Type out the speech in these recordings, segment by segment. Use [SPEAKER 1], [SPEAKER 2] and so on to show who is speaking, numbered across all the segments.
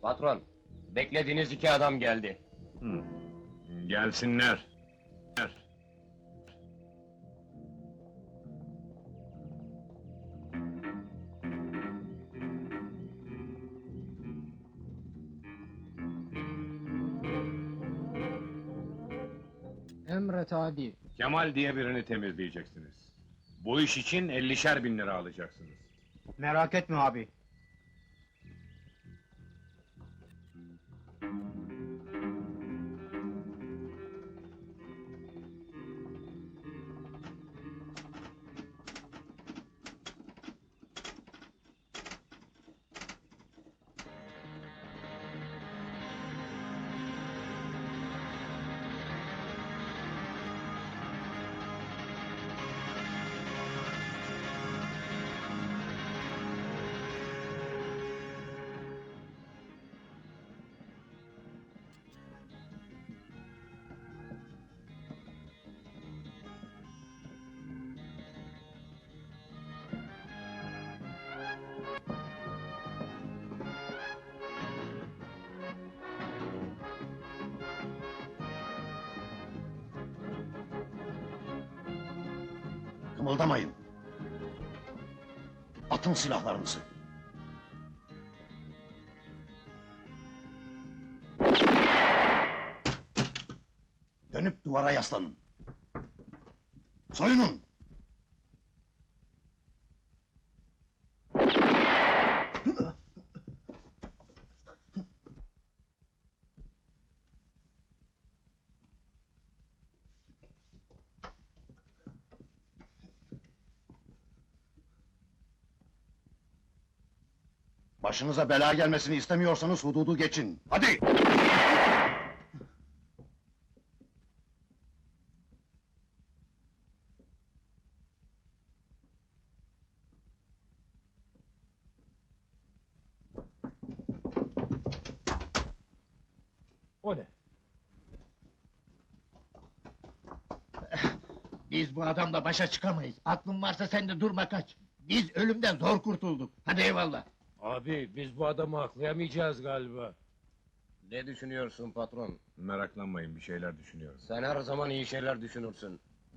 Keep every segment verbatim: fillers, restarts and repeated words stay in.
[SPEAKER 1] Patron, beklediğiniz iki adam geldi.
[SPEAKER 2] Hı. Gelsinler.
[SPEAKER 3] Emret adi.
[SPEAKER 2] Kemal diye birini temizleyeceksiniz. Bu iş için ellişer bin lira alacaksınız.
[SPEAKER 3] Merak etme abi.
[SPEAKER 4] Kımıldamayın! Atın silahlarınızı! Dönüp duvara yaslanın! Soyunun! Başınıza bela gelmesini istemiyorsanız hududu geçin! Hadi!
[SPEAKER 3] O ne?
[SPEAKER 5] Biz bu adamla başa çıkamayız. Aklın varsa sen de durma kaç. Biz ölümden zor kurtulduk. Hadi eyvallah.
[SPEAKER 3] Abi biz bu adamı aklayamayacağız galiba.
[SPEAKER 1] Ne düşünüyorsun patron?
[SPEAKER 2] Meraklanmayın, bir şeyler düşünüyorum.
[SPEAKER 1] Sen her zaman iyi şeyler düşünürsün.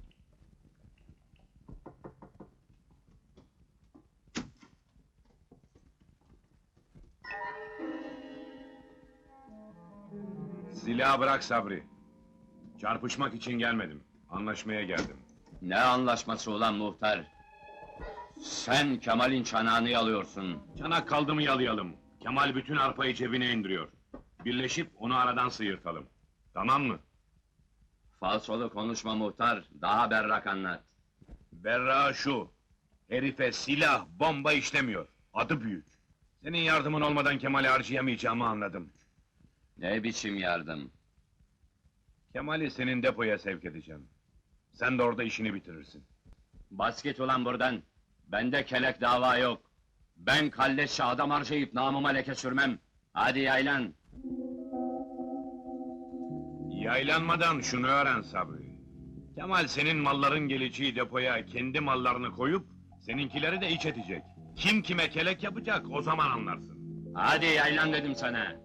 [SPEAKER 2] Silahı bırak Sabri. Çarpışmak için gelmedim. Anlaşmaya geldim.
[SPEAKER 6] Ne anlaşması ulan muhtar? Sen Kemal'in çanağını yalıyorsun.
[SPEAKER 2] Çanak kaldı mı yalayalım. Kemal bütün arpayı cebine indiriyor. Birleşip onu aradan sıyırtalım. Tamam mı?
[SPEAKER 6] Falsolu konuşma muhtar, daha berrak anlat.
[SPEAKER 2] Berra şu. Herife silah, bomba işlemiyor. Adı büyük. Senin yardımın olmadan Kemal'i harcayamayacağımı anladım.
[SPEAKER 6] Ne biçim yardım?
[SPEAKER 2] Kemal'i senin depoya sevk edeceğim. Sen de orada işini bitirirsin.
[SPEAKER 6] Bas git ulan buradan. Bende kelek dava yok. Ben kalleşçe adam harcayıp namıma leke sürmem. Hadi yaylan.
[SPEAKER 2] Yaylanmadan şunu öğren Sabri. Kemal senin malların geleceği depoya kendi mallarını koyup... ...seninkileri de iç edecek. Kim kime kelek yapacak o zaman anlarsın.
[SPEAKER 6] Hadi yaylan dedim sana.